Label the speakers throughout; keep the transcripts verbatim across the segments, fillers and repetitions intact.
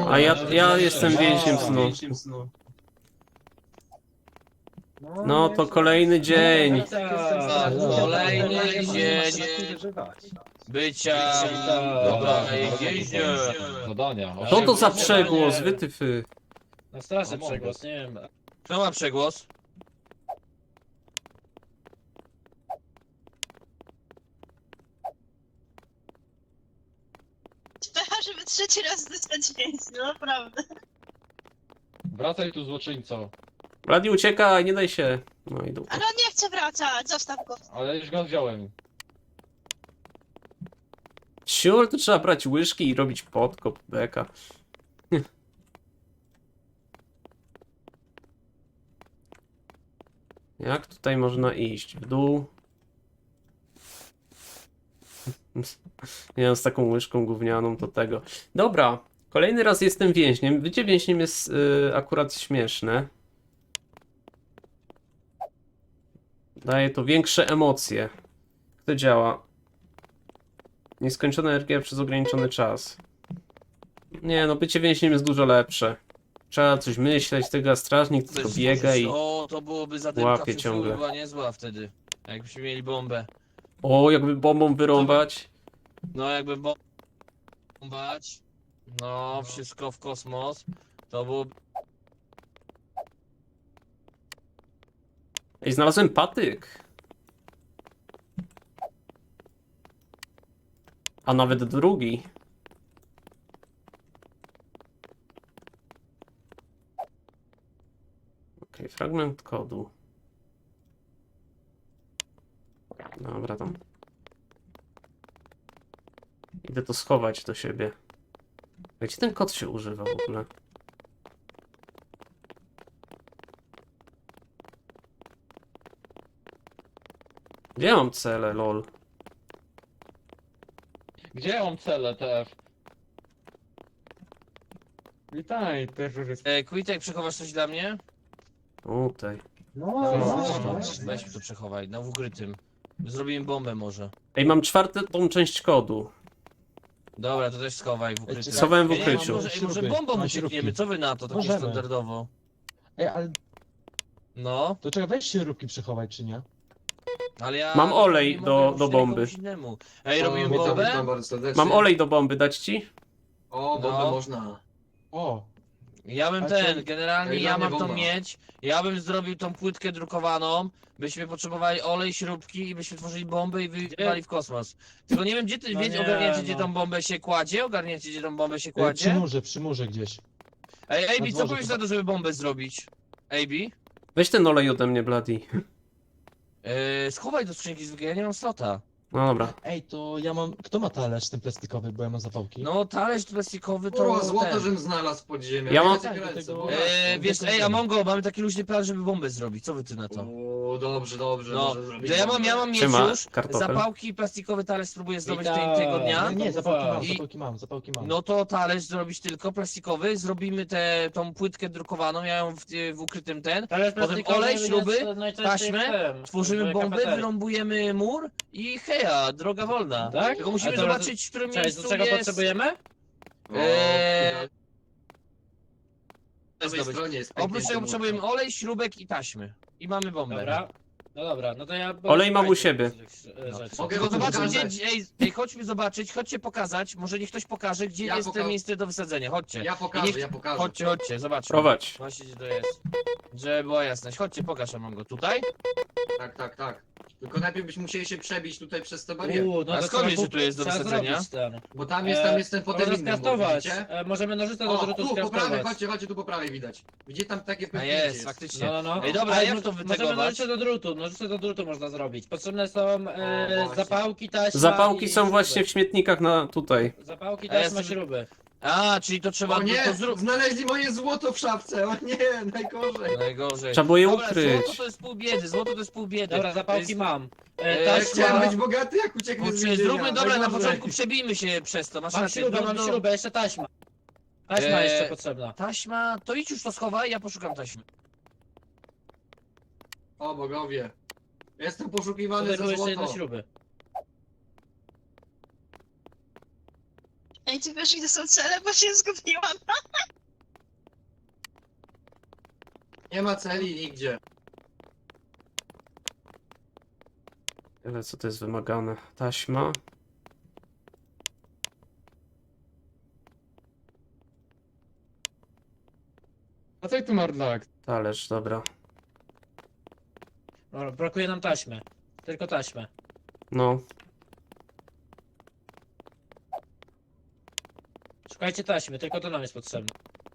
Speaker 1: A ja, ja jestem więźniem snu. No to kolejny dzień.
Speaker 2: Tak, kolejny dzień bycia dobra więźniem.
Speaker 3: Zadania.
Speaker 1: Co to za przegłos, wytyfy?
Speaker 4: Na straży
Speaker 3: Among
Speaker 4: przegłos,
Speaker 3: Us.
Speaker 4: nie wiem.
Speaker 2: Kto ma przegłos?
Speaker 5: Pecha, żeby trzeci raz dostać więźnia, naprawdę.
Speaker 3: Wracaj tu, złoczyńco.
Speaker 1: Bladi, uciekaj, nie daj się. No i dupa.
Speaker 5: Ale on nie chce wracać, zostaw go.
Speaker 3: Ale już go wziąłem.
Speaker 1: Siur, to trzeba brać łyżki i robić podkop, beka. Jak tutaj można iść? W dół? Nie wiem, z taką łyżką gównianą to tego. Dobra, kolejny raz jestem więźniem. Bycie więźniem jest y, akurat śmieszne. Daje to większe emocje. Jak to działa? Nieskończona energia przez ograniczony czas. Nie no, bycie więźniem jest dużo lepsze. Trzeba coś myśleć, tego a strażnik tylko biega i...
Speaker 2: O, to byłoby zadymka
Speaker 1: łapie
Speaker 2: przyszły,
Speaker 1: ciągle.
Speaker 2: była niezła wtedy. Jakbyśmy mieli bombę.
Speaker 1: O, jakby bombą wyrąbać.
Speaker 2: No jakby bo- bombać. No, wszystko w kosmos. To było...
Speaker 1: Ej, znalazłem patyk. A nawet drugi. Okej, fragment kodu. Dobra, tam. Idę to schować do siebie. Gdzie ten kod się używa w ogóle? Gdzie ja mam cele, lol?
Speaker 3: Gdzie ja mam cele T F?
Speaker 4: Witaj, terrorysta.
Speaker 2: E, Quitek, przechowasz coś dla mnie?
Speaker 1: Tutaj.
Speaker 4: No,
Speaker 2: No,
Speaker 4: no,
Speaker 2: weź mi to przechowaj, na w ukrytym. Zrobimy bombę może.
Speaker 1: Ej, mam czwartą część kodu.
Speaker 2: Dobra, to też schowaj w ukryciu.
Speaker 1: Schowałem w
Speaker 2: Ej, nie,
Speaker 1: ukryciu.
Speaker 2: Może, ej, może
Speaker 4: Śruby,
Speaker 2: bombą
Speaker 4: mam
Speaker 2: uciekniemy,
Speaker 4: śrubki.
Speaker 2: co wy na to, takie
Speaker 4: Możemy.
Speaker 2: standardowo?
Speaker 4: Ej, ale
Speaker 2: No,
Speaker 4: to czekaj, weź śrubki przechować, czy nie?
Speaker 2: ale ja...
Speaker 1: Mam olej
Speaker 2: nie
Speaker 1: do-
Speaker 2: mogę
Speaker 1: do
Speaker 2: użyć
Speaker 1: bomby.
Speaker 2: komuś innemu. Ej,
Speaker 6: O,
Speaker 2: robimy
Speaker 6: witam,
Speaker 2: bombę?
Speaker 6: witam bardzo serdecznie.
Speaker 1: Mam olej do bomby, dać ci?
Speaker 6: O, bombę
Speaker 2: No.
Speaker 6: można.
Speaker 4: O,
Speaker 2: Ja bym
Speaker 4: A
Speaker 2: ten,
Speaker 4: co-
Speaker 2: generalnie
Speaker 6: Ej,
Speaker 2: ja
Speaker 6: dla mnie
Speaker 2: mam tą
Speaker 6: bomba.
Speaker 2: mieć, ja bym zrobił tą płytkę drukowaną, byśmy potrzebowali olej, śrubki i byśmy tworzyli bombę i wyjechali w kosmos. Tylko nie wiem, gdzie ty,
Speaker 4: No
Speaker 2: wiecie,
Speaker 4: nie,
Speaker 2: ogarniacie, gdzie
Speaker 4: no.
Speaker 2: tą bombę się kładzie? Ogarniacie, gdzie tą bombę się
Speaker 4: e, przy
Speaker 2: kładzie?
Speaker 4: murze, przy murze gdzieś.
Speaker 2: Ej,
Speaker 4: na
Speaker 2: Ej, co
Speaker 4: dworze
Speaker 2: powiesz
Speaker 4: chyba.
Speaker 2: na to, żeby bombę zrobić? A B?
Speaker 1: Weź ten olej ode mnie, Bloody.
Speaker 2: Yy, schowaj do skrzynki zwykle, ja nie mam slota.
Speaker 1: No dobra.
Speaker 4: Ej, to ja mam... Kto ma talerz ten plastikowy, bo ja mam zapałki?
Speaker 2: No, talerz plastikowy to
Speaker 6: Kurwa, złoto,
Speaker 2: ten.
Speaker 6: żem znalazł pod ziemią.
Speaker 1: Ja mam-
Speaker 6: Wiecie,
Speaker 4: Tak, do
Speaker 6: ręce,
Speaker 4: tego-
Speaker 6: bo-
Speaker 2: Eee, wiesz,
Speaker 4: Dobra.
Speaker 2: ej, Amongo, mamy taki luźny plan, żeby bombę zrobić, co wy ty na to?
Speaker 6: O, dobrze, dobrze,
Speaker 2: No,
Speaker 6: może zrobić
Speaker 2: to ja mam,
Speaker 6: bombę.
Speaker 2: ja mam mieć
Speaker 1: Siema,
Speaker 2: już
Speaker 1: kartofel.
Speaker 2: zapałki i plastikowy talerz spróbuję zdobyć tej,
Speaker 4: Witam.
Speaker 2: tego dnia.
Speaker 4: Nie, nie, zapałki mam,
Speaker 2: I-
Speaker 4: zapałki mam, zapałki mam.
Speaker 2: No to talerz zrobić tylko plastikowy, zrobimy tę tą płytkę drukowaną, ja ją w, w ukrytym ten, potem olej, śruby, taśmę, tworzymy bombę, wyrąbujemy mur i heja, droga wolna.
Speaker 4: Tak?
Speaker 2: Tylko musimy
Speaker 4: A to-
Speaker 2: zobaczyć, w którym
Speaker 4: Cześć,
Speaker 2: miejscu
Speaker 4: do czego
Speaker 2: jest...
Speaker 4: potrzebujemy?
Speaker 6: O,
Speaker 2: Eee,
Speaker 6: po lewej
Speaker 2: zdobyć.
Speaker 6: stronie jest
Speaker 2: Oprócz
Speaker 6: pęknięty
Speaker 2: tego
Speaker 6: mur.
Speaker 2: potrzebujemy olej, śrubek i taśmy. I mamy bombę.
Speaker 4: Dobra. No dobra, no to ja...
Speaker 1: Olej mam u siebie.
Speaker 4: Rzeczy.
Speaker 6: Mogę
Speaker 2: Tylko
Speaker 6: go
Speaker 2: zobaczmy, gdzie,
Speaker 6: pokazać.
Speaker 2: ej, ej, chodźmy zobaczyć, chodźcie pokazać, może niech ktoś pokaże, gdzie
Speaker 6: Ja
Speaker 2: jest
Speaker 6: poka-
Speaker 2: to miejsce do wysadzenia, chodźcie.
Speaker 6: Ja pokażę,
Speaker 2: niech-
Speaker 6: ja pokażę.
Speaker 2: Chodźcie, chodźcie, zobaczmy.
Speaker 1: Prowadź.
Speaker 2: Właśnie gdzie to jest. Żeby była jasność. Chodźcie, pokaż Amongo. Tutaj?
Speaker 6: Tak, tak, tak. Tylko najpierw byśmy musieli się przebić tutaj przez te bariery.
Speaker 4: Uuu, no
Speaker 2: A
Speaker 4: to
Speaker 2: skąd
Speaker 4: trzeba
Speaker 2: wiesz, że
Speaker 4: kup-
Speaker 2: tu jest do
Speaker 4: trzeba
Speaker 2: wysadzenia?
Speaker 4: zrobić ten.
Speaker 6: Bo tam jest, tam jest ten potem
Speaker 4: Można
Speaker 6: inny mur,
Speaker 4: skraftować.
Speaker 6: widzicie?
Speaker 4: E, możemy nożyce do
Speaker 6: O,
Speaker 4: drutu
Speaker 6: tu, po prawej,
Speaker 4: skraftować.
Speaker 6: chodźcie, chodźcie, tu po prawej widać. Gdzie tam takie
Speaker 2: A
Speaker 6: pęknięcie
Speaker 2: jest, faktycznie.
Speaker 4: No, no, no.
Speaker 2: Ej, dobra,
Speaker 4: Ale
Speaker 2: jak
Speaker 4: mo-
Speaker 2: to
Speaker 4: Możemy
Speaker 2: wytegować?
Speaker 4: nożyce do drutu, nożyce do drutu można zrobić. Potrzebne są
Speaker 6: O,
Speaker 4: e,
Speaker 6: właśnie.
Speaker 4: zapałki, taśma
Speaker 1: Zapałki
Speaker 4: i
Speaker 1: są
Speaker 4: śruby.
Speaker 1: właśnie w śmietnikach na tutaj.
Speaker 4: Zapałki,
Speaker 2: A ja
Speaker 4: taśma,
Speaker 2: sobie-
Speaker 4: śruby.
Speaker 2: A, czyli to trzeba
Speaker 6: O nie,
Speaker 2: to zrób.
Speaker 6: znaleźli moje złoto w szafce, o nie, najgorzej.
Speaker 2: Najgorzej.
Speaker 1: Trzeba było je
Speaker 2: Dobra,
Speaker 1: ukryć.
Speaker 2: złoto to jest pół biedy, złoto to jest pół biedy.
Speaker 4: Dobra,
Speaker 2: To
Speaker 4: zapałki
Speaker 2: jest-
Speaker 4: mam.
Speaker 2: E,
Speaker 4: E,
Speaker 6: Ja
Speaker 4: taśma,
Speaker 6: chciałem być bogaty, jak ucieknę z
Speaker 2: Kurczę,
Speaker 6: więzienia.
Speaker 2: zróbmy, dobra, na
Speaker 6: najgorzej.
Speaker 2: początku przebijmy się przez to, masz
Speaker 4: mam
Speaker 2: rację.
Speaker 4: śrubę,
Speaker 2: do-
Speaker 4: mam
Speaker 2: do-
Speaker 4: śrubę, jeszcze taśma. Taśma
Speaker 2: E,
Speaker 4: jeszcze potrzebna.
Speaker 2: Taśma, to idź już to schowaj, ja poszukam taśmy.
Speaker 6: O bogowie. Jestem poszukiwany
Speaker 4: Tutaj
Speaker 6: za
Speaker 4: były jeszcze jedne
Speaker 6: złoto.
Speaker 4: śruby.
Speaker 5: Ej, ty wiesz, gdzie są cele, bo się zgubiłam.
Speaker 6: Nie ma celi nigdzie.
Speaker 1: Ale co to jest wymagane? Taśma.
Speaker 3: A co tu Mardlak?
Speaker 1: Talerz, dobra.
Speaker 7: Dobra, brakuje nam taśmy. Tylko taśmę.
Speaker 1: No.
Speaker 7: Szukajcie taśmy, tylko to nam jest potrzebne.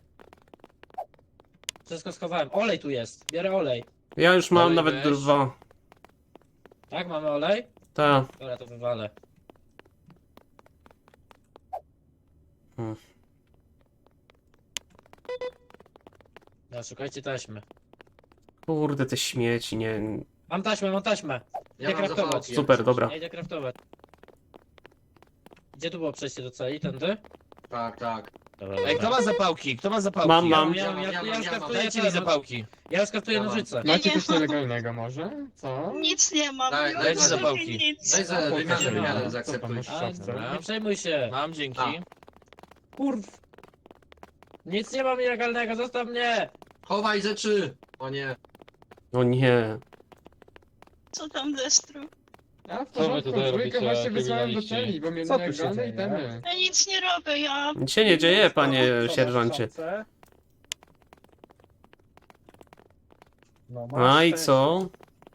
Speaker 7: Wszystko schowałem. Olej tu jest. Biorę olej.
Speaker 1: Ja już mam
Speaker 2: Olej
Speaker 1: nawet
Speaker 2: weź.
Speaker 1: dwa.
Speaker 7: Tak, mamy olej?
Speaker 1: Ta.
Speaker 7: Dobra, to wywalę.
Speaker 1: Hmm.
Speaker 7: No, szukajcie taśmy.
Speaker 1: Kurde, te śmieci, nie.
Speaker 7: Mam taśmę, mam taśmę.
Speaker 6: Ja
Speaker 7: Idę
Speaker 6: mam
Speaker 7: kraftować.
Speaker 6: zapałki.
Speaker 1: Super, dobra.
Speaker 7: Ja idę craftować. Gdzie tu było przejście do celi? Tędy?
Speaker 6: Tak, tak.
Speaker 7: Dobra,
Speaker 2: Ej, kto
Speaker 7: dobra.
Speaker 2: ma zapałki? Kto ma zapałki?
Speaker 1: Mam,
Speaker 2: Ja-
Speaker 1: mam.
Speaker 7: Ja,
Speaker 6: mam,
Speaker 7: ja,
Speaker 6: ja
Speaker 7: ja,
Speaker 6: mam,
Speaker 7: już
Speaker 6: ja mam.
Speaker 7: craftuję
Speaker 2: Dajcie mi
Speaker 7: te-
Speaker 2: zapałki.
Speaker 7: Ja już craftuję
Speaker 6: Ja mam.
Speaker 7: nożyce.
Speaker 5: Ja
Speaker 3: Macie
Speaker 5: nie
Speaker 3: coś
Speaker 5: mam.
Speaker 3: nielegalnego może? Co?
Speaker 5: Nic nie mam.
Speaker 6: Daj-
Speaker 5: nie
Speaker 6: dajcie
Speaker 5: mam
Speaker 2: zapałki.
Speaker 5: nic.
Speaker 6: Daj za
Speaker 3: Pokaż
Speaker 6: wymianę,
Speaker 3: mi.
Speaker 6: wymianę,
Speaker 3: Co
Speaker 6: zaakceptuj.
Speaker 3: tam masz w
Speaker 7: A,
Speaker 3: szafce?
Speaker 7: nie przejmuj się.
Speaker 2: Mam, dzięki.
Speaker 6: A.
Speaker 7: Kurw. Nic nie mam nielegalnego, zostaw mnie!
Speaker 6: Chowaj rzeczy! O nie.
Speaker 1: O nie.
Speaker 5: Co tam Destru?
Speaker 3: Ja w Co wy porządku, tutaj dwójkę robicie, właśnie wysłałem do kryminaliści? celi, bo mnie
Speaker 4: Co tu się
Speaker 3: nielegalne
Speaker 4: dzieje?
Speaker 3: itemy.
Speaker 5: Ja nic nie robię, ja...
Speaker 1: Nic się nie dzieje, panie sierżancie.
Speaker 7: No,
Speaker 1: A i co?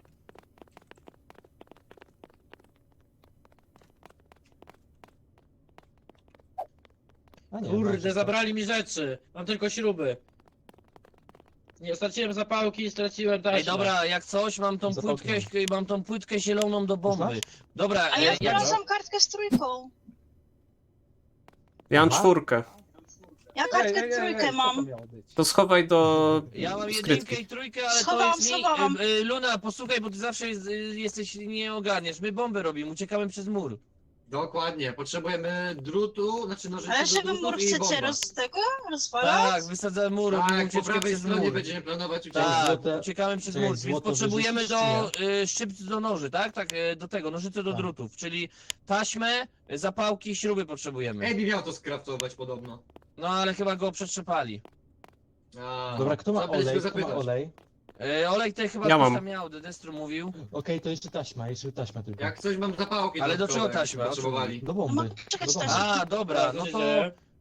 Speaker 4: A nie,
Speaker 7: Kurde,
Speaker 4: masz to.
Speaker 7: zabrali mi rzeczy. Mam tylko śruby. Nie, straciłem zapałki i straciłem taśmę.
Speaker 2: Ej, dobra, jak coś, mam tą
Speaker 4: Zapałki
Speaker 2: płytkę, mam tą płytkę zieloną do bomby.
Speaker 4: masz?
Speaker 2: Dobra,
Speaker 5: A
Speaker 2: e,
Speaker 5: ja
Speaker 2: jak...
Speaker 5: znalazłam kartkę z trójką.
Speaker 1: Ja mam
Speaker 4: Aha.
Speaker 1: czwórkę.
Speaker 5: Ja kartkę trójkę mam.
Speaker 1: To schowaj do
Speaker 2: Ja mam jedynkę
Speaker 1: skrytki.
Speaker 2: i trójkę, ale to
Speaker 5: Schowałam,
Speaker 2: jest mi...
Speaker 5: schowałam.
Speaker 2: E, e, Luna, posłuchaj, bo ty zawsze jest, e, jesteś, nie ogarniesz. My bombę robimy, uciekamy przez mur.
Speaker 6: Dokładnie. Potrzebujemy drutu, znaczy nożycy
Speaker 5: Ale
Speaker 6: do
Speaker 5: żeby
Speaker 6: drutów
Speaker 5: mur
Speaker 6: i
Speaker 5: chcecie
Speaker 6: bomba.
Speaker 5: roz tego rozwalać?
Speaker 2: Tak, wysadzamy mur, robimy
Speaker 6: Tak, po
Speaker 2: ucieczkę
Speaker 6: prawej
Speaker 2: przez
Speaker 6: stronie
Speaker 2: mur.
Speaker 6: będziemy planować ucieczkę.
Speaker 2: Tak,
Speaker 4: Złote-
Speaker 2: uciekamy przez
Speaker 4: Czekaj,
Speaker 2: mur, więc
Speaker 4: złoto
Speaker 2: potrzebujemy
Speaker 4: wyrzucić,
Speaker 2: do y, szczypc do noży, tak? Tak, y, do tego, nożyce do
Speaker 4: Tak.
Speaker 2: drutów, czyli taśmę, y, zapałki, śruby potrzebujemy.
Speaker 6: Ebi miał to skraftować podobno.
Speaker 2: No ale chyba go przetrzepali.
Speaker 6: A,
Speaker 4: Dobra, kto ma
Speaker 6: trzeba będzie
Speaker 4: olej?
Speaker 6: go
Speaker 4: Kto ma
Speaker 6: zapytać.
Speaker 4: olej?
Speaker 2: Y, olej tutaj chyba
Speaker 1: Ja
Speaker 2: ktoś
Speaker 1: mam.
Speaker 2: tam miał, Destru mówił.
Speaker 4: Okej, to jeszcze taśma, jeszcze taśma tylko.
Speaker 6: Jak coś mam zapałki
Speaker 2: Ale do
Speaker 6: dodatkowe,
Speaker 2: czego taśma?
Speaker 6: jakbyście potrzebowali.
Speaker 4: Do
Speaker 5: No
Speaker 4: bomby.
Speaker 5: mogę czekać
Speaker 4: Do
Speaker 5: też.
Speaker 4: bomby.
Speaker 2: A, dobra, no to...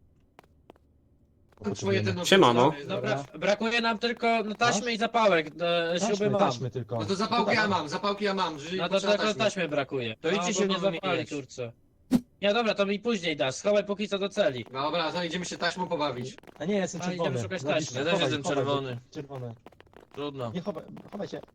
Speaker 6: Tam Twoje te nożyce.
Speaker 1: Siemano.
Speaker 7: Dobra, brakuje nam tylko no, taśmy i zapałek. E, śruby
Speaker 4: Taśmy,
Speaker 7: mam.
Speaker 4: taśmy tylko.
Speaker 6: No to zapałki ja mam, zapałki ja mam. Jeżeli
Speaker 7: No to
Speaker 6: potrzeba
Speaker 7: tylko
Speaker 6: taśmy.
Speaker 7: taśmy brakuje.
Speaker 2: To idźcie
Speaker 7: No,
Speaker 2: się
Speaker 7: bo nie
Speaker 2: wymieniać.
Speaker 7: zapali, kurczę. Nie, dobra, to mi później dasz. Schowaj póki co do celi.
Speaker 6: Dobra, to idziemy się taśmą pobawić.
Speaker 4: A nie, jestem
Speaker 7: A,
Speaker 4: czerwony.
Speaker 7: idziemy szukać
Speaker 4: Zapisz,
Speaker 7: taśmy.
Speaker 2: Ja też
Speaker 4: chowaj,
Speaker 2: jestem
Speaker 4: chowaj,
Speaker 2: czerwony.
Speaker 4: Czerwony.
Speaker 2: Trudno.
Speaker 4: Nie chowaj, chowaj się.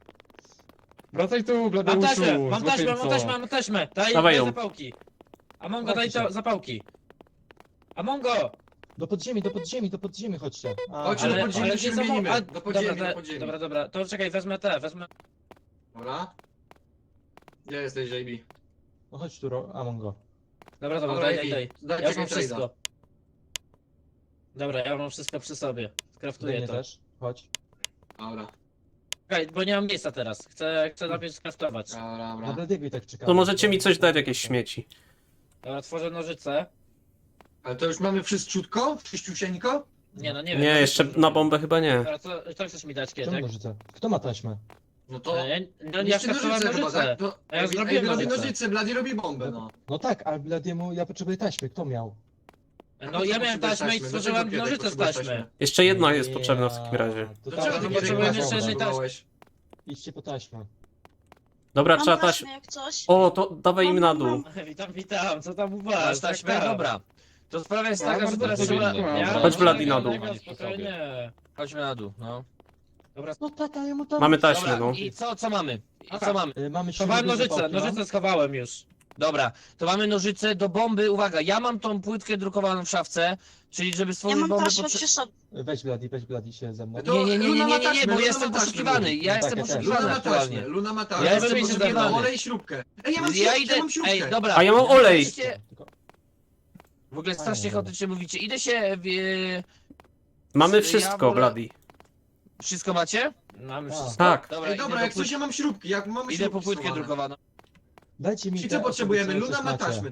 Speaker 3: Wracaj tu,
Speaker 7: Mam
Speaker 3: Bladeuszu,
Speaker 7: taśmę, mam taśmę, mam
Speaker 3: złoczyńco.
Speaker 7: taśmę, mam taśmę. Daj,
Speaker 1: Dawaj
Speaker 7: daj
Speaker 1: ją.
Speaker 7: zapałki. Amongo, daj
Speaker 4: Chowajcie
Speaker 7: to,
Speaker 4: się.
Speaker 7: zapałki. Amongo!
Speaker 4: Do podziemi, do podziemi, do podziemi chodźcie. A,
Speaker 6: Chodźcie
Speaker 7: Ale,
Speaker 6: do podziemi,
Speaker 7: ale
Speaker 6: to się
Speaker 7: gdzie są-
Speaker 6: wymienimy.
Speaker 7: a,
Speaker 6: Do podziemi,
Speaker 7: dobra,
Speaker 6: do
Speaker 7: te-
Speaker 6: podziemi.
Speaker 7: Dobra, dobra, to czekaj, wezmę te, wezmę...
Speaker 6: Dobra. Gdzie jesteś, J B?
Speaker 4: No chodź tu, Ro- Amongo.
Speaker 7: Dobra, dobra,
Speaker 6: Dobra,
Speaker 7: daj,
Speaker 6: J
Speaker 7: daj,
Speaker 6: B,
Speaker 7: daj.
Speaker 6: daj,
Speaker 7: Ja już mam
Speaker 6: czekaj,
Speaker 7: wszystko. Dobra, ja mam wszystko przy sobie.
Speaker 4: Do
Speaker 7: Skraftuję
Speaker 4: mnie
Speaker 7: to.
Speaker 4: też. Chodź.
Speaker 6: Dobra,
Speaker 7: Czekaj, bo nie mam miejsca teraz. Chcę, chcę najpierw skraftować.
Speaker 6: dobra,
Speaker 4: Na
Speaker 6: dobra.
Speaker 4: Bladiego i tak czekamy.
Speaker 1: To możecie mi coś dać, jakieś śmieci.
Speaker 7: Dobra, tworzę nożyce.
Speaker 6: Ale to już mamy wszystko? Czyściusieńko?
Speaker 7: Nie, no nie wiem.
Speaker 1: Nie, jeszcze na bombę chyba nie.
Speaker 7: Dobra, co, co chcesz mi dać,
Speaker 4: Czemu
Speaker 7: Kietek?
Speaker 4: nożyce? Kto ma taśmę?
Speaker 6: No to...
Speaker 7: E, Ja, no, ja
Speaker 6: Niszczy
Speaker 7: skraftowałem
Speaker 6: nożyce chyba,
Speaker 7: nożyce.
Speaker 6: tak? To...
Speaker 7: A ja
Speaker 6: Ej,
Speaker 7: zrobiłem
Speaker 6: robi
Speaker 7: nożyce.
Speaker 6: nożyce, Blady robi bombę, no.
Speaker 4: No tak, ale Bladiemu ja potrzebuję taśmy. Kto miał?
Speaker 7: No ja miałem
Speaker 6: Potrzebujesz
Speaker 7: taśmę i
Speaker 6: taśmy.
Speaker 7: stworzyłem
Speaker 6: Dlaczego
Speaker 7: nożyce z
Speaker 6: potrzebujesz
Speaker 7: taśmy.
Speaker 6: taśmy?
Speaker 1: Jeszcze jedna jest potrzebna w takim razie.
Speaker 4: To
Speaker 6: Dlaczego
Speaker 4: tak,
Speaker 6: ty
Speaker 7: no,
Speaker 6: kiedy
Speaker 7: potrzebujemy
Speaker 6: taśmę
Speaker 7: jeszcze jednej
Speaker 6: potrzebowałeś?
Speaker 4: Idźcie po taśmę.
Speaker 1: Dobra,
Speaker 5: Mam
Speaker 1: trzeba
Speaker 5: taśmę
Speaker 1: taś...
Speaker 5: jak coś.
Speaker 1: O, to dawaj im
Speaker 5: Mam,
Speaker 1: na
Speaker 5: mam,
Speaker 1: dół.
Speaker 5: mam.
Speaker 7: Witam, witam, co tam u was?
Speaker 2: Masz taśmę?
Speaker 7: Tak, tak.
Speaker 2: Dobra. To sprawa jest
Speaker 3: Ja
Speaker 2: taka, że
Speaker 3: bardzo
Speaker 2: teraz
Speaker 3: powinny.
Speaker 2: trzeba...
Speaker 7: Ja
Speaker 3: Chodź,
Speaker 7: mam
Speaker 1: Vladi, na dół.
Speaker 7: legalnego, Spokojnie.
Speaker 2: Chodźmy na dół, no.
Speaker 7: Dobra,
Speaker 4: No tak, ale mu tam...
Speaker 1: Mamy taśmę,
Speaker 2: Dobra,
Speaker 1: no.
Speaker 2: i co, co mamy? I
Speaker 7: Aha.
Speaker 2: co mamy?
Speaker 4: Y, Mamy
Speaker 7: schowałem
Speaker 4: śruby,
Speaker 7: nożyce,
Speaker 4: zapałki,
Speaker 7: nożyce schowałem już.
Speaker 2: Dobra, to mamy nożyce do bomby. Uwaga, ja mam tą płytkę drukowaną w szafce, czyli żeby
Speaker 5: Ja
Speaker 2: stworzyć
Speaker 5: mam
Speaker 2: bombę
Speaker 5: taśmę
Speaker 2: potrze-
Speaker 5: przy sobie.
Speaker 4: mam. Weź Bladi, weź Bladi się ze mną.
Speaker 6: To
Speaker 2: Nie, nie, nie, nie,
Speaker 6: Luna
Speaker 2: nie,
Speaker 6: ma
Speaker 2: nie, nie,
Speaker 6: taśmę,
Speaker 2: bo
Speaker 6: Luna
Speaker 2: jestem
Speaker 6: ma taśmę.
Speaker 2: poszukiwany. Ja
Speaker 4: Tak,
Speaker 2: jestem
Speaker 4: ja też.
Speaker 6: Luna
Speaker 2: poszukiwany
Speaker 6: ma
Speaker 2: aktualnie.
Speaker 6: taśmę, Luna ma
Speaker 7: Ja
Speaker 6: taśmę.
Speaker 7: jestem
Speaker 6: Ja
Speaker 7: poszukiwany.
Speaker 6: potrzebujemy olej i śrubkę. Ej, ja mam
Speaker 2: Ja
Speaker 6: śrubkę,
Speaker 2: idę.
Speaker 6: ja mam śrubkę.
Speaker 2: Ej, dobra.
Speaker 1: A ja mam olej.
Speaker 2: Idźcie-
Speaker 4: Tylko-
Speaker 2: W ogóle strasznie
Speaker 4: Fajnie,
Speaker 2: chaotycznie mówicie. Idę się. W...
Speaker 1: Mamy
Speaker 2: Ja
Speaker 1: wszystko,
Speaker 2: wolę-
Speaker 1: Bladi.
Speaker 2: Wszystko macie?
Speaker 7: Mamy
Speaker 4: Tak.
Speaker 7: wszystko.
Speaker 1: Tak.
Speaker 2: Dobra,
Speaker 6: Ej,
Speaker 2: idę,
Speaker 6: dobra,
Speaker 2: do
Speaker 6: jak coś
Speaker 2: płyt...
Speaker 6: ja mam śrubki, jak mamy
Speaker 2: idę po
Speaker 6: śrubki
Speaker 2: płytkę
Speaker 6: schowane.
Speaker 2: drukowaną.
Speaker 4: Dajcie mi
Speaker 6: Czyli
Speaker 4: te
Speaker 6: co potrzebujemy?
Speaker 4: osoby, co
Speaker 6: Luna ma
Speaker 4: coś macie.
Speaker 6: taśmy, tak?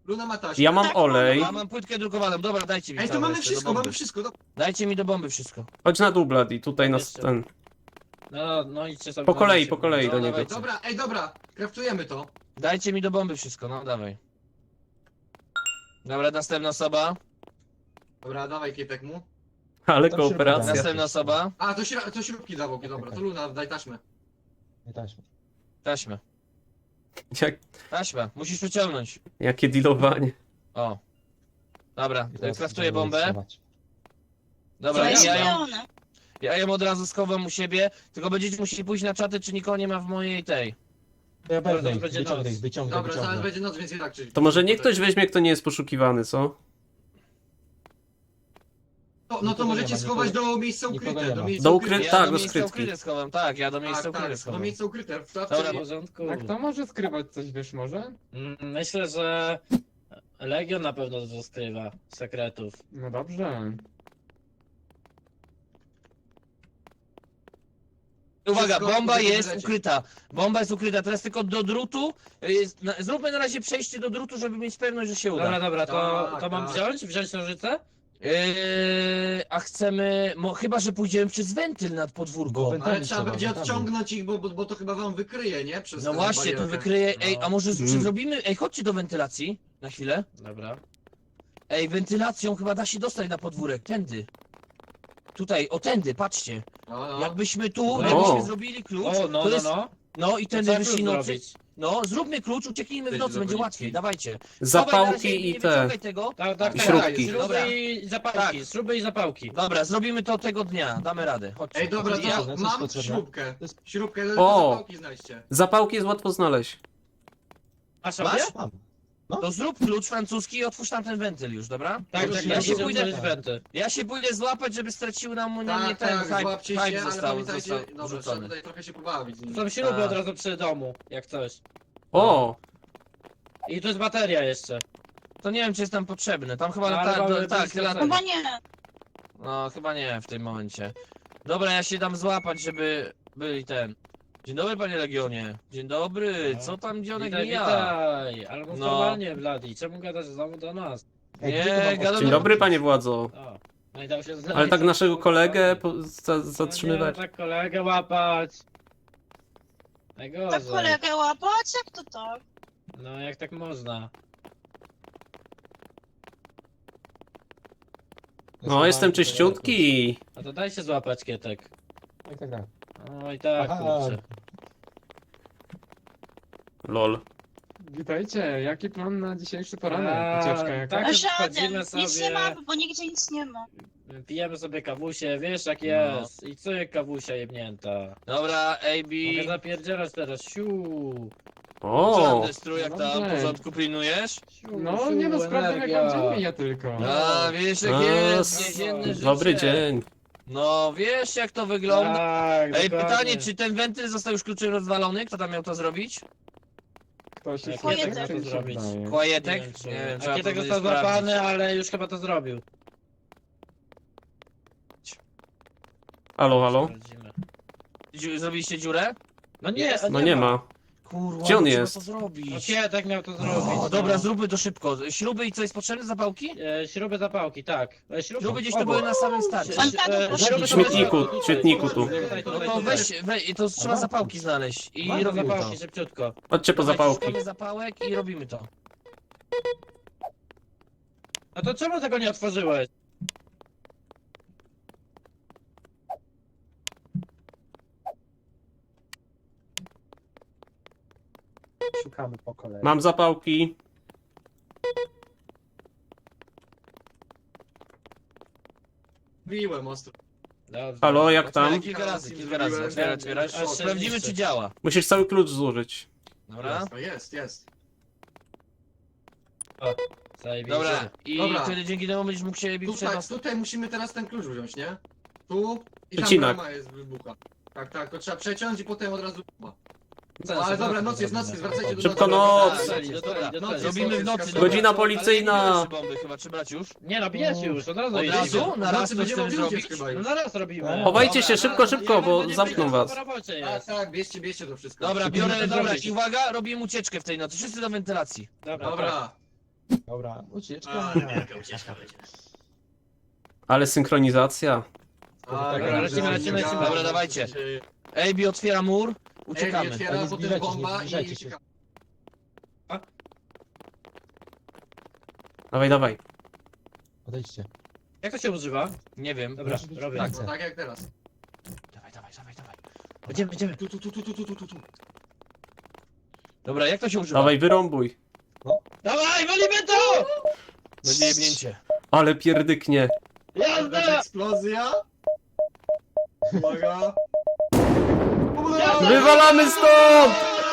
Speaker 6: Luna ma taśmę.
Speaker 1: Ja mam
Speaker 5: Tak,
Speaker 1: olej.
Speaker 2: Ja mam płytkę drukowaną, dobra, dajcie mi
Speaker 6: Ej, to
Speaker 2: całe
Speaker 6: mamy
Speaker 2: jeszcze
Speaker 6: wszystko,
Speaker 2: do
Speaker 6: mamy
Speaker 2: bomby.
Speaker 6: wszystko. Do...
Speaker 2: Dajcie mi do bomby wszystko.
Speaker 1: Chodź na dół, Bloody, tutaj nas
Speaker 7: Jeszcze.
Speaker 1: ten...
Speaker 7: No, no idźcie sobie.
Speaker 1: Po
Speaker 7: na
Speaker 1: kolei,
Speaker 7: razie,
Speaker 1: po kolei
Speaker 2: No,
Speaker 1: do
Speaker 2: dawaj.
Speaker 1: niego.
Speaker 6: Dobra, ej, dobra, kraftujemy to.
Speaker 2: Dajcie mi do bomby wszystko, no dawaj. Dobra, następna osoba.
Speaker 6: Dobra, dawaj kietek mu.
Speaker 1: Ale
Speaker 4: Tam się
Speaker 1: kooperacja.
Speaker 4: rozmawiamy.
Speaker 2: Następna osoba.
Speaker 6: A, to, śra- to śrubki zawłoki, dobra, to Luna, daj taśmę.
Speaker 4: Nie taśmy.
Speaker 2: Taśmę.
Speaker 1: Jak,
Speaker 2: Taśmę, musisz wyciągnąć.
Speaker 1: jakie dealowanie.
Speaker 2: O. Dobra,
Speaker 4: I teraz
Speaker 2: kraftuję
Speaker 4: będziemy
Speaker 2: bombę.
Speaker 4: rysować.
Speaker 2: Dobra,
Speaker 5: To jest
Speaker 2: ja ją,
Speaker 5: zielone.
Speaker 2: ja ją od razu schowam u siebie, tylko będziecie musieli pójść na czaty, czy nikogo nie ma w mojej tej.
Speaker 4: To ja
Speaker 7: Zaraz
Speaker 4: wezmę ich,
Speaker 7: będzie
Speaker 4: wyciągnę
Speaker 7: noc.
Speaker 4: ich, wyciągnę,
Speaker 6: Dobra, zaraz
Speaker 4: wyciągnę.
Speaker 6: będzie noc, więc i tak, czyli...
Speaker 1: To może niech ktoś weźmie, kto nie jest poszukiwany, co?
Speaker 6: No, no to
Speaker 4: Nikogo
Speaker 6: możecie
Speaker 4: nie ma,
Speaker 6: schować
Speaker 4: nikogo-
Speaker 6: do miejsca
Speaker 4: nikogo
Speaker 6: ukryte.
Speaker 4: nie
Speaker 6: Do
Speaker 4: ma.
Speaker 6: miejsca
Speaker 1: Do
Speaker 6: ukryte.
Speaker 1: ukry-
Speaker 2: Ja
Speaker 1: tak,
Speaker 2: do
Speaker 1: do
Speaker 2: miejsca
Speaker 1: skrytki.
Speaker 2: ukryte schowam, tak, ja do miejsca
Speaker 6: Tak,
Speaker 2: ukryte
Speaker 6: tak, do
Speaker 2: schowam.
Speaker 6: miejsca ukryte. W
Speaker 2: Dobra,
Speaker 6: szafce
Speaker 7: W porządku.
Speaker 3: A kto może skrywać coś, wiesz może?
Speaker 7: Mm, Myślę, że Legion na pewno dużo skrywa sekretów.
Speaker 3: No dobrze.
Speaker 2: Uwaga,
Speaker 6: Wszystko
Speaker 2: bomba
Speaker 6: będzie
Speaker 2: jest
Speaker 6: wylecieć.
Speaker 2: ukryta. Bomba jest ukryta, teraz tylko do drutu. Jest, na, zróbmy na razie przejście do drutu, żeby mieć pewność, że się uda.
Speaker 7: Dobra, dobra, to,
Speaker 6: Tak,
Speaker 7: to mam
Speaker 6: tak.
Speaker 7: wziąć? Wziąć nożyce?
Speaker 2: Yy, a chcemy, mo, chyba że pójdziemy przez wentyl nad podwórko.
Speaker 4: Bo wentyl-
Speaker 6: Ale
Speaker 4: Tam
Speaker 6: trzeba
Speaker 4: trzeba,
Speaker 6: będzie
Speaker 4: tam.
Speaker 6: odciągnąć ich, bo, bo, bo to chyba wam wykryje, nie? Przez
Speaker 2: No
Speaker 6: tę
Speaker 2: właśnie, to
Speaker 6: barierkę.
Speaker 2: wykryje. Ej, a może
Speaker 1: Mm.
Speaker 2: mm. zrobimy. Ej, chodźcie do wentylacji na chwilę.
Speaker 7: Dobra.
Speaker 2: Ej, wentylacją chyba da się dostać na podwórek. Tędy. Tutaj, o tędy, patrzcie.
Speaker 6: No, no.
Speaker 2: Jakbyśmy tu,
Speaker 1: No.
Speaker 2: jakbyśmy zrobili klucz.
Speaker 7: O, no,
Speaker 2: to
Speaker 7: no,
Speaker 2: jest,
Speaker 7: no.
Speaker 2: no i
Speaker 7: To
Speaker 2: tędy
Speaker 7: co
Speaker 2: wyszli
Speaker 7: klucz
Speaker 2: nocy.
Speaker 7: zrobić?
Speaker 2: No, zróbmy klucz, ucieknijmy w
Speaker 6: Ty,
Speaker 2: nocy, będzie
Speaker 6: zapalniki.
Speaker 2: łatwiej, dawajcie. Dawaj, na razie
Speaker 1: Zapałki i
Speaker 2: nie
Speaker 1: te.
Speaker 2: wyciągaj tego.
Speaker 7: Tak, tak,
Speaker 1: I
Speaker 7: tak.
Speaker 1: śrubki.
Speaker 7: Śruby
Speaker 2: Dobra.
Speaker 7: i zapałki,
Speaker 2: Tak.
Speaker 7: śruby i zapałki.
Speaker 2: Dobra, zrobimy to tego dnia, damy radę. Chodźcie.
Speaker 6: Ej, dobra,
Speaker 2: Ja-
Speaker 6: to
Speaker 4: co jest
Speaker 6: mam
Speaker 4: potrzebne?
Speaker 6: śrubkę.
Speaker 4: To jest-
Speaker 6: Śrubkę,
Speaker 1: O!
Speaker 6: o! zapałki znajdźcie.
Speaker 1: Zapałki jest łatwo znaleźć.
Speaker 7: A sobie?
Speaker 2: Masz?
Speaker 4: Mam.
Speaker 2: To zrób klucz francuski i otwórz tam ten wentyl już, dobra?
Speaker 7: Tak,
Speaker 4: Już
Speaker 7: tak,
Speaker 4: ja
Speaker 7: ja
Speaker 4: się
Speaker 7: się
Speaker 2: pójdę-
Speaker 7: pójdę wenty.
Speaker 2: Ja się pójdę złapać, żeby straciły nam na mnie
Speaker 6: Tak,
Speaker 2: ten
Speaker 6: tak,
Speaker 2: hype,
Speaker 6: złapcie się,
Speaker 2: hype
Speaker 6: ale
Speaker 2: został,
Speaker 6: pamiętajcie,
Speaker 2: został
Speaker 6: dobra, trzeba
Speaker 2: rzucony.
Speaker 6: tutaj trochę się pobawić. z nimi.
Speaker 7: Są śruby
Speaker 2: Tak.
Speaker 7: od razu przy domu, jak coś.
Speaker 1: O!
Speaker 7: I tu jest bateria jeszcze.
Speaker 2: To nie wiem, czy jest tam potrzebne. Tam chyba
Speaker 7: No, ale
Speaker 2: ta,
Speaker 7: mamy
Speaker 2: do, tak,
Speaker 7: blisko
Speaker 2: lata.
Speaker 7: celu.
Speaker 5: Chyba nie.
Speaker 2: No, chyba nie w tym momencie. Dobra, ja się dam złapać, żeby byli ten. Dzień dobry, panie Legionie. Dzień dobry,
Speaker 7: No.
Speaker 2: co tam dzionek
Speaker 7: Witaj,
Speaker 2: mija?
Speaker 7: witaj. Ale mów
Speaker 2: No.
Speaker 7: normalnie, Bladi. Czemu gadasz znowu do nas?
Speaker 4: Ej,
Speaker 2: Nie,
Speaker 4: gdzie tu mam
Speaker 2: gadam-
Speaker 4: odciąć?
Speaker 1: Dzień dobry, panie władzo.
Speaker 7: O. No i dał się znaleźć.
Speaker 1: Ale tak naszego kolegę po, za,
Speaker 7: No
Speaker 1: zatrzymywać.
Speaker 7: nie, tak kolegę łapać.
Speaker 5: Tak
Speaker 7: Najgorzej.
Speaker 5: kolegę łapać? Jak to tak?
Speaker 7: No jak tak można?
Speaker 1: No, jestem czyściutki.
Speaker 7: A to daj się złapać, Kietek.
Speaker 4: Tak, tak, tak.
Speaker 7: No i tak,
Speaker 4: Aha.
Speaker 7: kurczę.
Speaker 1: Lol.
Speaker 3: Witajcie, jaki plan na dzisiejszy
Speaker 7: A,
Speaker 3: poranek? Ucieczka jaka?
Speaker 7: tak.
Speaker 5: Żaden.
Speaker 7: wchodzimy
Speaker 5: Nic nie
Speaker 7: sobie.
Speaker 5: ma, bo nigdzie nic nie ma.
Speaker 7: Pijemy sobie kawusie, wiesz jak
Speaker 2: No.
Speaker 7: jest. I co je kawusia jebnięta.
Speaker 2: Dobra, A B.
Speaker 7: Mogę zapierdzielać teraz, siu.
Speaker 2: Co tam,
Speaker 1: O!
Speaker 2: Destru, jak
Speaker 3: No
Speaker 2: tam w
Speaker 3: dobrze.
Speaker 2: porządku pilnujesz?
Speaker 7: siu
Speaker 3: No,
Speaker 7: siu,
Speaker 3: nie no, sprawdzam jak
Speaker 7: energia.
Speaker 3: wam dzień mija tylko.
Speaker 2: A, wiesz jak
Speaker 1: A,
Speaker 2: jest,
Speaker 1: s-
Speaker 2: więzienne życie.
Speaker 1: Dobry dzień.
Speaker 2: No, wiesz jak to wygląda.
Speaker 7: Tak,
Speaker 2: Ej,
Speaker 7: dokładnie.
Speaker 2: pytanie, czy ten wentyl został już kluczem rozwalony? Kto tam miał to zrobić?
Speaker 3: Ktoś jest
Speaker 7: Kietek
Speaker 3: tak,
Speaker 5: miał
Speaker 3: czy
Speaker 7: to
Speaker 3: mi się
Speaker 7: zrobić.
Speaker 3: wydaje?
Speaker 2: Kłajetek?
Speaker 7: Nie wiem, czy...
Speaker 2: Nie wiem,
Speaker 7: A
Speaker 2: trzeba
Speaker 7: Kietek
Speaker 2: to
Speaker 7: został
Speaker 2: będzie sprawdzić.
Speaker 7: złapany, ale już chyba to zrobił.
Speaker 1: Halo, halo?
Speaker 7: Sprawdzimy.
Speaker 2: Dziu- Zrobiliście dziurę?
Speaker 7: No nie,
Speaker 1: No nie ma.
Speaker 2: Kurwa,
Speaker 1: Gdzie on
Speaker 2: no trzeba
Speaker 1: jest?
Speaker 2: to
Speaker 7: No
Speaker 2: zrobić.
Speaker 7: Kietek miał to zrobić.
Speaker 2: O,
Speaker 7: no.
Speaker 2: dobra, zróbmy to szybko. Śruby i co jest potrzebne? Zapałki?
Speaker 7: E, śruby zapałki, tak. E, śruby,
Speaker 2: Śruby gdzieś tu
Speaker 7: obok.
Speaker 2: były na samym starcie.
Speaker 5: Pan tak,
Speaker 7: E,
Speaker 5: proszę.
Speaker 7: śruby
Speaker 1: W
Speaker 7: są
Speaker 1: śmietniku,
Speaker 7: na środku,
Speaker 1: w śmietniku tu.
Speaker 7: Tutaj, tutaj,
Speaker 2: No
Speaker 7: tutaj,
Speaker 2: to
Speaker 7: tutaj.
Speaker 2: weź, weź, to trzeba zapałki znaleźć i
Speaker 7: Mamy
Speaker 2: robimy to.
Speaker 7: zapałki, szybciutko.
Speaker 1: Chodźcie po
Speaker 2: Dawajcie,
Speaker 1: zapałki.
Speaker 2: szukamy zapałek i robimy to.
Speaker 7: No to czemu tego nie otworzyłeś?
Speaker 8: Szukamy po kolei.
Speaker 1: Mam zapałki.
Speaker 6: Biłem ostro.
Speaker 7: Dobrze.
Speaker 1: Halo, jak
Speaker 2: Otwieraj
Speaker 1: tam?
Speaker 2: kilka razy,
Speaker 6: Raz
Speaker 2: kilka razy.
Speaker 6: zrobiłem.
Speaker 2: Otwieraj, otwieraj.
Speaker 7: Aż się
Speaker 2: Sprawdzimy,
Speaker 7: zniszczy.
Speaker 2: czy działa.
Speaker 1: Musisz cały klucz złożyć.
Speaker 2: Dobra?
Speaker 6: No jest, jest.
Speaker 7: Zajebiście.
Speaker 2: Dobra. I
Speaker 6: Dobra.
Speaker 2: wtedy dzięki temu będziesz mógł się bić
Speaker 6: Tutaj,
Speaker 2: przed
Speaker 6: tutaj musimy teraz ten klucz wziąć, nie? Tu i tam
Speaker 1: Przecinak.
Speaker 6: brama jest wybucha. Tak, tak, to trzeba przeciąć i potem od razu wybucha.
Speaker 2: Zaraz,
Speaker 6: Ale dobra,
Speaker 2: zaraz
Speaker 6: noc jest, noc
Speaker 2: zrobimy.
Speaker 6: jest, wracajcie do
Speaker 1: Szybko
Speaker 6: nocy.
Speaker 1: noc!
Speaker 6: Dobra,
Speaker 7: Do
Speaker 6: noc
Speaker 7: celi,
Speaker 6: jest,
Speaker 7: do
Speaker 6: noc
Speaker 7: celi.
Speaker 6: jest,
Speaker 2: Robimy w
Speaker 6: noc
Speaker 2: nocy.
Speaker 6: jest,
Speaker 2: dobra.
Speaker 1: Godzina
Speaker 2: Ale
Speaker 1: policyjna.
Speaker 2: nie bijemy bomby chyba, czy brać już?
Speaker 7: Nie no, bijecie już, od razu
Speaker 2: Od
Speaker 7: jedziecie.
Speaker 2: razu? Na raz
Speaker 6: Nocy
Speaker 2: to
Speaker 6: będziemy
Speaker 2: chcemy
Speaker 6: mogli
Speaker 2: zrobić?
Speaker 6: uciec chyba
Speaker 7: No
Speaker 6: już.
Speaker 7: zaraz robimy.
Speaker 1: Chowajcie
Speaker 2: Dobra,
Speaker 1: się szybko, szybko, bo
Speaker 7: Będziemy
Speaker 1: zamkną
Speaker 7: wiedzieć,
Speaker 1: was.
Speaker 7: co po robocie
Speaker 6: Tak,
Speaker 7: jest.
Speaker 6: tak, bierzcie, bierzcie to wszystko.
Speaker 2: Dobra,
Speaker 7: Musimy
Speaker 2: biorę,
Speaker 7: to
Speaker 2: dobra,
Speaker 7: zrobić.
Speaker 2: i uwaga, robimy ucieczkę w tej nocy. Wszyscy do wentylacji.
Speaker 7: Dobra, tak.
Speaker 6: Dobra.
Speaker 4: Dobra, ucieczka.
Speaker 6: A, wielka ucieczka będzie.
Speaker 1: Ale synchronizacja.
Speaker 6: A,
Speaker 7: Dobra, lecimy, lecimy, lecimy.
Speaker 2: Dobra, dawajcie. A B otwiera mur,
Speaker 6: Uciekamy.
Speaker 2: uciekamy.
Speaker 6: Otwiera,
Speaker 4: Nie
Speaker 6: potem
Speaker 4: zbliżajcie się,
Speaker 6: bomba
Speaker 4: nie
Speaker 6: i
Speaker 4: zbliżajcie się.
Speaker 6: uciekamy.
Speaker 1: Dawaj, dawaj.
Speaker 4: Odejdźcie.
Speaker 7: Jak to się używa?
Speaker 2: Nie wiem.
Speaker 7: Dobra,
Speaker 4: Proszę,
Speaker 7: robię.
Speaker 4: tak.
Speaker 6: No tak jak teraz.
Speaker 2: Dawaj, dawaj, dawaj, dawaj.
Speaker 7: Będziemy, będziemy.
Speaker 6: Tu, tu, tu, tu, tu, tu, tu, tu.
Speaker 2: Dobra, jak to się używa?
Speaker 1: Dawaj, wyrąbuj.
Speaker 7: Dawaj, walimy to!
Speaker 2: Będzie jebnięcie.
Speaker 1: Ale pierdyknie.
Speaker 7: Jazda!
Speaker 6: Eksplozja. Uwaga.
Speaker 1: Wywalamy stąd!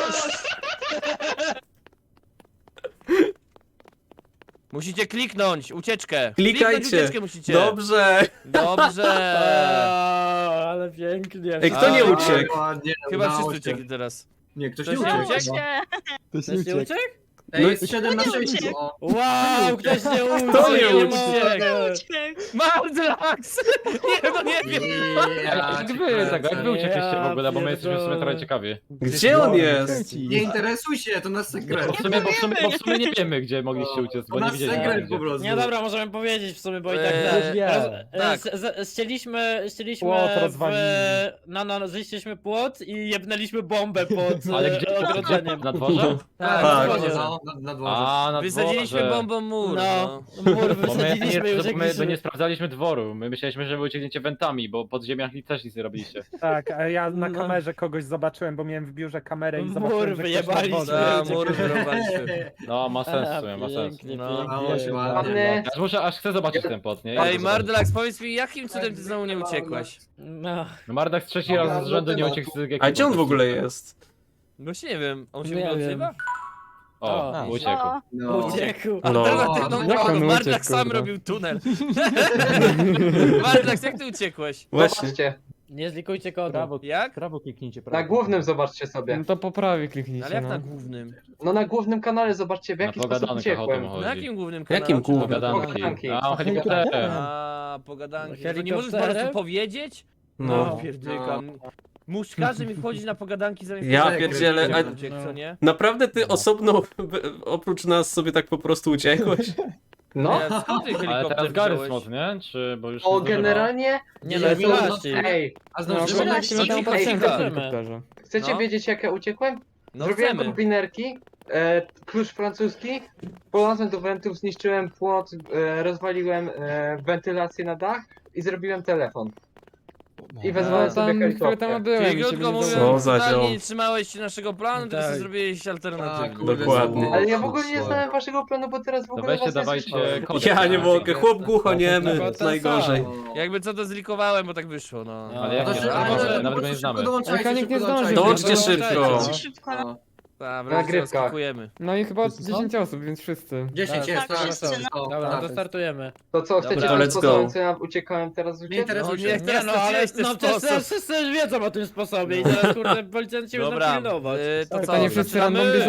Speaker 2: Musicie kliknąć, ucieczkę.
Speaker 1: Klikajcie.
Speaker 2: Kliknąć ucieczkę musicie.
Speaker 1: Dobrze.
Speaker 2: Dobrze.
Speaker 7: Eee, ale pięknie.
Speaker 1: Ej, kto nie
Speaker 2: A,
Speaker 1: uciekł?
Speaker 6: Ładnie,
Speaker 2: Chyba
Speaker 6: udało
Speaker 2: wszyscy
Speaker 6: się.
Speaker 2: uciekli teraz.
Speaker 6: Nie, ktoś
Speaker 2: Ktoś
Speaker 6: nie
Speaker 2: nie
Speaker 6: uciekł.
Speaker 2: uciekł?
Speaker 5: Nie.
Speaker 7: Ktoś nie uciekł?
Speaker 6: Ej,
Speaker 1: No
Speaker 6: jest siedem na
Speaker 5: nie
Speaker 6: sześć.
Speaker 5: uciekł?
Speaker 6: O.
Speaker 7: Wow, ktoś nie uciekł!
Speaker 1: Kto nie
Speaker 7: mogę.
Speaker 5: Uciekł.
Speaker 2: Mardlax! Nie, no nie wiem.
Speaker 6: Ja,
Speaker 3: Jak wy tego, jak wy uciekliście w ogóle, bo my
Speaker 7: Ja
Speaker 3: jesteśmy w sumie trochę
Speaker 7: pierdolę.
Speaker 3: ciekawi.
Speaker 1: Gdzie on jest?
Speaker 6: Nie interesuj się, to nasz sekret.
Speaker 3: Bo w sumie, bo w sumie, bo w sumie nie wiemy, gdzie mogliście uciec,
Speaker 6: To
Speaker 3: bo nie
Speaker 6: nasz
Speaker 3: widzieliśmy
Speaker 6: sekret
Speaker 3: gdzie.
Speaker 6: po prostu.
Speaker 7: Nie, dobra, możemy powiedzieć w sumie, bo i tak...
Speaker 2: Eee,
Speaker 7: Roz-
Speaker 2: tak.
Speaker 7: z- z- Ścieliśmy, ścieliśmy
Speaker 8: Płot
Speaker 7: w...
Speaker 8: rozwalili.
Speaker 7: No, no, zniszczyliśmy płot i jebnęliśmy bombę pod
Speaker 3: Ale
Speaker 7: e,
Speaker 3: gdzie?
Speaker 7: ogrodzeniem.
Speaker 3: Na dworze?
Speaker 2: Tak,
Speaker 1: Tak.
Speaker 2: na dworze.
Speaker 6: No, na, na dworze.
Speaker 3: A, na
Speaker 2: Wysadziliśmy
Speaker 3: dworze.
Speaker 2: bombą mur.
Speaker 7: No,
Speaker 2: No.
Speaker 7: mur
Speaker 3: Bo my,
Speaker 7: wysadziliśmy i
Speaker 3: nie, my, my
Speaker 7: uciekliśmy.
Speaker 3: nie sprawdzaliśmy dworu, my myśleliśmy, że wy uciekniecie wentami, bo pod ziemiach też nic nie robiliście.
Speaker 8: Tak, a ja na
Speaker 7: No.
Speaker 8: kamerze kogoś zobaczyłem, bo miałem w biurze kamerę i
Speaker 7: Mur
Speaker 8: zobaczyłem, że ktoś na
Speaker 7: wyjebaliśmy.
Speaker 8: dworze.
Speaker 2: Da,
Speaker 7: uciekł.
Speaker 2: mur wyrobaliśmy.
Speaker 3: No, ma sens w
Speaker 7: A,
Speaker 3: sumie, ma sens.
Speaker 7: pięknie,
Speaker 2: No,
Speaker 7: pięknie.
Speaker 6: dało się ładnie.
Speaker 4: Ładny.
Speaker 3: Aż muszę, aż chcę zobaczyć ten pot, nie?
Speaker 2: Ej, Mardlax, powiedz mi, jakim cudem ty znowu nie uciekłeś?
Speaker 7: No,
Speaker 3: No Mardak trzeci raz z rzędu nie uciekł z ekipy.
Speaker 1: A gdzie on w ogóle jest?
Speaker 2: Właśnie nie wiem, on się
Speaker 7: Nie
Speaker 2: w ogóle
Speaker 7: wiem.
Speaker 2: odzywa?
Speaker 3: O,
Speaker 7: A.
Speaker 3: uciekł.
Speaker 5: O,
Speaker 6: No.
Speaker 7: uciekł.
Speaker 2: A
Speaker 1: No.
Speaker 2: teraz ty, no,
Speaker 8: Jak on
Speaker 2: no, Mardlax
Speaker 8: uciekł,
Speaker 2: sam
Speaker 8: kurde?
Speaker 2: robił tunel. Mardlax, jak ty uciekłeś?
Speaker 1: Właśnie.
Speaker 9: Zobaczcie,
Speaker 7: Nie zlikujcie kodu.
Speaker 8: Prawo,
Speaker 2: Jak?
Speaker 8: prawo kliknijcie, prawo.
Speaker 9: na głównym zobaczcie sobie.
Speaker 8: No to po prawej
Speaker 2: No,
Speaker 8: kliknijcie,
Speaker 2: ale jak
Speaker 8: no.
Speaker 2: na głównym?
Speaker 9: No na głównym kanale zobaczcie w
Speaker 3: Na
Speaker 9: jaki sposób
Speaker 3: pogadankach o tym
Speaker 9: uciekłem.
Speaker 3: chodzi.
Speaker 2: Na jakim głównym
Speaker 1: Jakim
Speaker 2: kanale?
Speaker 1: głównym?
Speaker 3: Pogadanki.
Speaker 9: Pogadanki.
Speaker 3: A, o helikopterem.
Speaker 2: A, pogadanki. To nie
Speaker 7: Helikopterem?
Speaker 2: możesz po prostu powiedzieć?
Speaker 1: No.
Speaker 2: No, pierdykam. Musz każdy mi wchodzić na pogadanki zamiast
Speaker 1: Ja
Speaker 2: powiedzieć,
Speaker 1: pierdzielę,
Speaker 2: że
Speaker 1: a-
Speaker 2: uciekł, co nie?
Speaker 1: Naprawdę ty osobno, oprócz nas, sobie tak po prostu uciekłeś?
Speaker 9: No,
Speaker 2: Nie, skąd ty
Speaker 3: Ale
Speaker 2: helikopter
Speaker 3: teraz Garys
Speaker 2: wziąłeś?
Speaker 3: mod, nie? Czy, bo już
Speaker 9: o
Speaker 3: nie zdążyłem.
Speaker 9: generalnie,
Speaker 7: Nie
Speaker 9: że
Speaker 7: no,
Speaker 9: są-
Speaker 7: wylaści.
Speaker 9: ej,
Speaker 6: A
Speaker 8: No,
Speaker 6: znowu
Speaker 5: Dobra,
Speaker 8: bo musimy tam
Speaker 5: ej,
Speaker 8: patrzeć
Speaker 2: chyba.
Speaker 8: na helikopterze.
Speaker 9: chcecie
Speaker 2: No.
Speaker 9: wiedzieć jak ja uciekłem?
Speaker 2: No
Speaker 9: Zrobiłem
Speaker 2: chcemy.
Speaker 9: kombinerki, e, klucz francuski, polazłem do wentów, zniszczyłem płot, e, rozwaliłem e, wentylację na dach i zrobiłem telefon. I wezwałem
Speaker 7: No,
Speaker 9: sobie helikopter.
Speaker 2: Czyli krótko mówiąc,
Speaker 1: Co za
Speaker 2: totalnie
Speaker 1: ziom.
Speaker 2: nie trzymałeś się naszego planu, tylko
Speaker 7: Tak.
Speaker 2: sobie zrobiłeś
Speaker 6: Tak,
Speaker 2: alternatywny.
Speaker 6: kurde,
Speaker 1: Dokładnie.
Speaker 6: znowu.
Speaker 9: Ale ja w ogóle nie znałem waszego planu, bo teraz w
Speaker 3: To
Speaker 9: ogóle
Speaker 3: weźcie,
Speaker 9: was nie
Speaker 3: dawajcie
Speaker 9: słyszałem.
Speaker 3: kodek.
Speaker 1: Ja nie
Speaker 3: tak?
Speaker 1: mogę, chłop głuchoniemy,
Speaker 7: No,
Speaker 1: to
Speaker 7: to
Speaker 1: najgorzej.
Speaker 6: O.
Speaker 2: Jakby co to zlikowałem, bo tak wyszło, no.
Speaker 3: Ale jak
Speaker 6: To
Speaker 3: nie
Speaker 6: się-
Speaker 3: znamy,
Speaker 6: ale
Speaker 3: może
Speaker 6: po
Speaker 3: nawet go
Speaker 6: prostu
Speaker 3: nie znamy.
Speaker 6: szybko dołączajcie,
Speaker 8: Mechanik
Speaker 6: szybko
Speaker 8: nie zdążył.
Speaker 6: dołączajcie.
Speaker 1: Dołączcie
Speaker 2: Dołączajcie.
Speaker 1: szybko.
Speaker 5: Za szybko.
Speaker 6: O.
Speaker 2: Tak,
Speaker 9: Na
Speaker 2: wreszcie
Speaker 9: grywkach.
Speaker 2: rozskakujemy.
Speaker 8: No i chyba
Speaker 4: Wszyscy są?
Speaker 8: dziesięć osób, więc wszyscy.
Speaker 6: dziesięć jest,
Speaker 5: Tak,
Speaker 6: tak.
Speaker 5: wszyscy,
Speaker 6: o,
Speaker 7: Dobra,
Speaker 6: tak.
Speaker 7: to startujemy.
Speaker 9: To co, chcecie
Speaker 2: Dobra,
Speaker 9: ten
Speaker 1: let's
Speaker 9: sposób,
Speaker 1: go.
Speaker 9: co ja uciekałem teraz
Speaker 6: Nie
Speaker 9: uciec?
Speaker 6: interesuj
Speaker 2: No
Speaker 6: się.
Speaker 2: nie,
Speaker 7: Nie
Speaker 2: teraz
Speaker 7: no, ale
Speaker 2: straciłeś ten
Speaker 7: no przecież
Speaker 2: sposób.
Speaker 7: teraz wszyscy już wiedzą o tym sposobie i teraz kurde policjanci już
Speaker 2: Dobra,
Speaker 7: nam pilnować.
Speaker 2: y, to co,
Speaker 8: Pytanie, wszyscy
Speaker 2: zaczynamy?
Speaker 8: random